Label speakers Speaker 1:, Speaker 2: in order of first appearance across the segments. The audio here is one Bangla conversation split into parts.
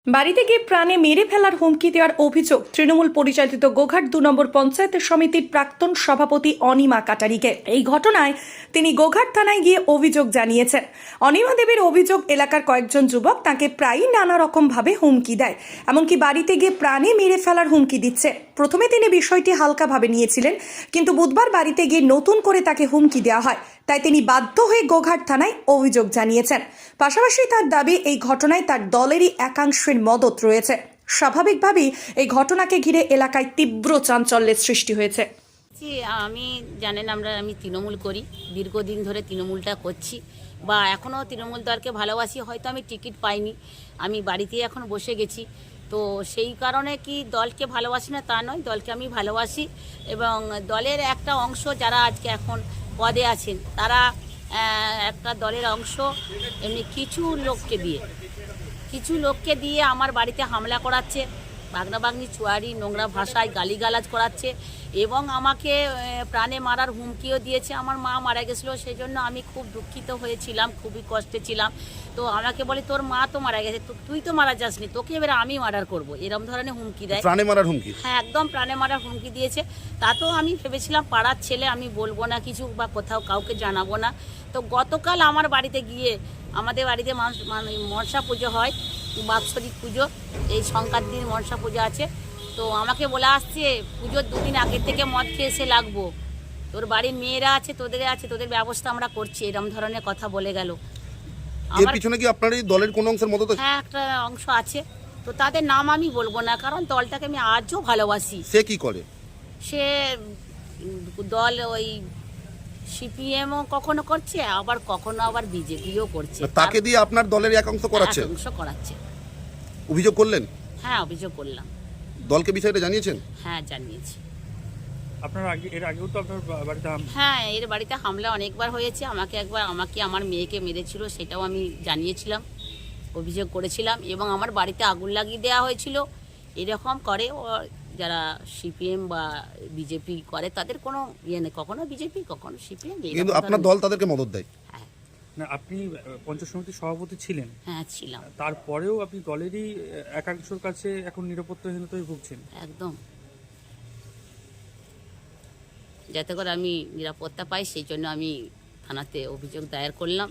Speaker 1: বাড়িতে গিয়ে প্রাণে মেরে ফেলার হুমকি দেওয়ার অভিযোগ তৃণমূল পরিচালিত গোঘাট ২ নম্বর পঞ্চায়েত সমিতির প্রাক্তন সভাপতি অনিমা কাটারিকে। এই ঘটনায় তিনি গোঘাট থানায় গিয়ে অভিযোগ জানিয়েছেন। অনিমা দেবীর অভিযোগ, এলাকার কয়েকজন যুবক তাকে প্রায়ই নানা রকম ভাবে হুমকি দেয়, এমনকি বাড়িতে গিয়ে প্রাণে মেরে ফেলার হুমকি দিচ্ছে। প্রথমে তিনি বিষয়টি হালকাভাবে নিয়েছিলেন, কিন্তু বুধবার বাড়িতে গিয়ে নতুন করে তাকে হুমকি দেওয়া হয়, তাই তিনি বাধ্য হয়ে গোঘাট থানায় অভিযোগ জানিয়েছেন। পাশাপাশি তার দাবি, এই ঘটনায় তার দলেরই একাংশের মদত রয়েছে। স্বাভাবিকভাবেই এই ঘটনাকে ঘিরে এলাকায় তীব্র চাঞ্চল্যের সৃষ্টি হয়েছে।
Speaker 2: আমি জানেন আমি তৃণমূল করি, দীর্ঘদিন ধরে তৃণমূলটা করছি বা এখনও তৃণমূল দলকে ভালোবাসি। হয়তো আমি টিকিট পাইনি, আমি বাড়িতেই এখন বসে গেছি, তো সেই কারণে কি দলকে ভালোবাসি না তা নয়, দলকে আমি ভালোবাসি এবং দলের একটা অংশ যারা আজকে এখন পদে আছেন তারা একটা দলের অংশ এমনি কিছু লোককে দিয়ে আমার বাড়িতে হামলা করাচ্ছে, বাগনাবাগনি চুয়ারি নোংরা ভাষায় গালিগালাজ করাচ্ছে এবং আমাকে প্রাণে মারার হুমকিও দিয়েছে। আমার মা মারা গেছিলো, সেই জন্য আমি খুব দুঃখিত হয়েছিলাম, খুবই কষ্টে ছিলাম। তো আমাকে বলে তোর মা তো মারা গেছে, তুই তো মারা যাসনি, তোকে এবারে আমি মার্ডার করবো, এরকম ধরনের হুমকি দেয়।
Speaker 3: প্রাণে মারার হুমকি?
Speaker 2: হ্যাঁ, একদম প্রাণে মারার হুমকি দিয়েছে। তাতেও আমি ভেবেছিলাম পাড়ার ছেলে, আমি বলবো না কিছু বা কোথাও কাউকে জানাবো না। তো গতকাল আমার বাড়িতে গিয়ে, আমাদের বাড়িতে মনসা পুজো হয়, বাৎসরিক পুজো, এই সংক্রান্তির দিন মনসা পুজো আছে। তো আমাকে বলে আসছে পুজোর 2 দিন আগের থেকে মদ খেয়ে এসে লাগবো, তোর বাড়ির মেয়েরা আছে, তোদের ব্যবস্থা আমরা করছি, এরকম ধরনের কথা বলে গেল।
Speaker 3: এর পিছনে কি আপনার এই দলের কোন অংশের মদত আছে?
Speaker 2: হ্যাঁ, একটা অংশ আছে, তো তাদের নাম আমি বলবো না, কারণ দলটাকে আমি আজও ভালোবাসি।
Speaker 3: সে কি করে?
Speaker 2: সে দল ওই সিপিএমও কখনো করছে, আবার কখনো আবার বিজেপিও করছে।
Speaker 3: তাকে দিয়ে আপনার দলের একাংশ করাচ্ছে?
Speaker 2: করাচ্ছে।
Speaker 3: অভিযোগ করলেন?
Speaker 2: হ্যাঁ, অভিযোগ করলাম।
Speaker 3: দলকে বিষয়টা জানিয়েছেন?
Speaker 2: হ্যাঁ, জানিয়েছি।
Speaker 4: এর আগেও তো আপনার বাড়িতে
Speaker 2: হ্যাঁ, এর বাড়িতে হামলা অনেকবার হয়েছে। আমাকে আমার মেয়েকে মেরেছিল, সেটাও আমি জানিয়েছিলাম, অভিযোগ করেছিলাম এবং আমার বাড়িতে আগুন লাগিয়ে দেওয়া হয়েছিল। এরকম করে যারা সিপিএম বা বিজেপি করে, তাদের কোনো ইয়ে নেই, কখনো বিজেপি কখনো সিপিএম।
Speaker 3: কিন্তু আপনার দল তাদেরকে মদত দেয়?
Speaker 2: হ্যাঁ।
Speaker 4: না, আপনি পঞ্চায়েত সমিতির সভাপতি ছিলেন?
Speaker 2: হ্যাঁ, ছিলাম।
Speaker 4: তারপরেও আপনি দলেরই একাংশের কাছে এখন নিরাপত্তাহীনতায় ভুগছেন।
Speaker 2: একদম, যাতে করে আমি নিরাপত্তা পাই, সেই জন্য আমি থানাতে অভিযোগ দায়ের করলাম।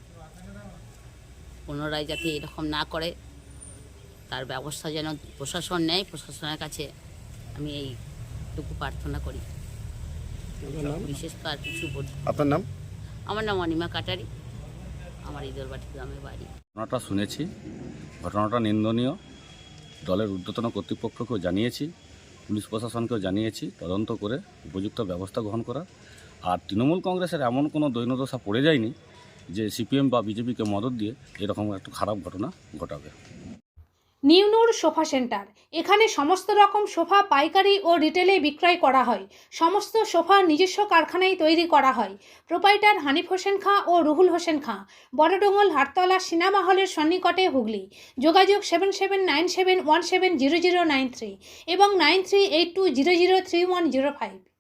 Speaker 2: পুনরায় যাতে এরকম না করে তার ব্যবস্থা যেন প্রশাসন নেয়, প্রশাসনের কাছে আমি এইটুকু প্রার্থনা করি। বিশেষ করে আর কিছু বলি।
Speaker 3: আপনার নাম?
Speaker 2: আমার নাম অনিমা কাটারি, আমার ইদরবাটি গ্রামের বাড়ি।
Speaker 5: ঘটনাটা শুনেছি, ঘটনাটা নিন্দনীয়। দলের ঊর্ধ্বতন কর্তৃপক্ষকেও জানিয়েছি, পুলিশ প্রশাসনকেও জানিয়েছি, তদন্ত করে উপযুক্ত ব্যবস্থা গ্রহণ করা। আর তৃণমূল কংগ্রেসের এমন কোনো দৈন্যদশা পড়ে যায়নি যে সিপিএম বা বিজেপিকে মদত দিয়ে এরকম একটা খারাপ ঘটনা ঘটাবে।
Speaker 6: নিউনুর সোফা সেন্টার, এখানে সমস্ত রকম সোফা পাইকারি ও রিটেলে বিক্রয় করা হয়। সমস্ত সোফা নিজস্ব কারখানায় তৈরি করা হয়। প্রোপাইটার হানিফ হোসেন খাঁ ও রুহুল হোসেন খাঁ, বড়ডোঙ্গল হাটতলা সিনেমা হলের সন্নিকটে, হুগলি। যোগাযোগ 7797170093 এবং 9382003105।